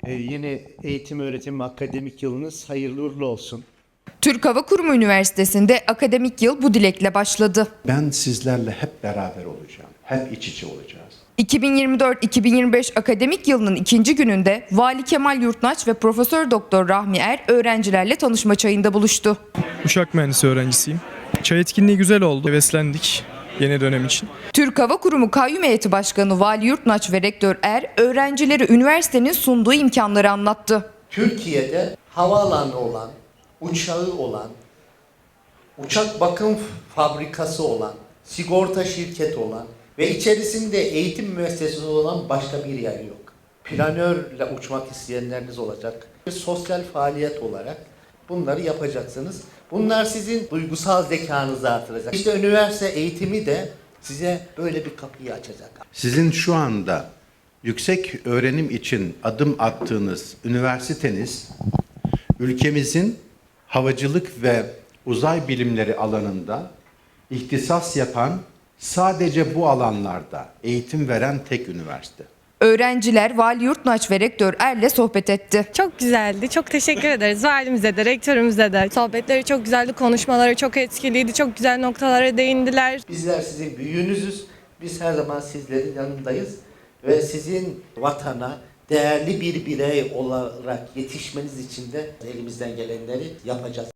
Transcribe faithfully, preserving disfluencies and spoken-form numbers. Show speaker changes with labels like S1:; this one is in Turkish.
S1: Ee, yeni eğitim öğretim akademik yılınız hayırlı uğurlu olsun.
S2: Türk Hava Kurumu Üniversitesi'nde akademik yıl bu dilekle başladı.
S3: Ben sizlerle hep beraber olacağım. Hep iç içe olacağız.
S2: iki bin yirmi dört iki bin yirmi beş akademik yılının ikinci gününde Vali Kemal Yurtnaç ve Profesör Doktor Rahmi Er öğrencilerle tanışma çayında buluştu.
S4: Uçak mühendisi öğrencisiyim. Çay etkinliği güzel oldu. Heveslendik yeni dönem için.
S2: Türk Hava Kurumu Kayyum Heyeti Başkanı Vali Yurtnaç ve Rektör Er öğrencilere üniversitenin sunduğu imkanları anlattı.
S5: Türkiye'de havaalanı olan, uçağı olan, uçak bakım fabrikası olan, sigorta şirketi olan ve içerisinde eğitim müessesesi olan başka bir yer yok. Planörle uçmak isteyenleriniz olacak. Bir sosyal faaliyet olarak bunları yapacaksınız. Bunlar sizin duygusal zekanızı artıracak. İşte üniversite eğitimi de size böyle bir kapıyı açacak.
S3: Sizin şu anda yüksek öğrenim için adım attığınız üniversiteniz, ülkemizin havacılık ve uzay bilimleri alanında ihtisas yapan, sadece bu alanlarda eğitim veren tek üniversite.
S2: Öğrenciler Vali Yurtnaç ve Rektör Er'le sohbet etti.
S6: Çok güzeldi. Çok teşekkür ederiz valimize de, rektörümüze de. Sohbetleri çok güzeldi, konuşmaları çok etkiliydi. Çok güzel noktalara değindiler.
S5: Bizler sizin büyüğünüzüz. Biz her zaman sizlerin yanındayız ve sizin vatana değerli bir birey olarak yetişmeniz için de elimizden gelenleri yapacağız.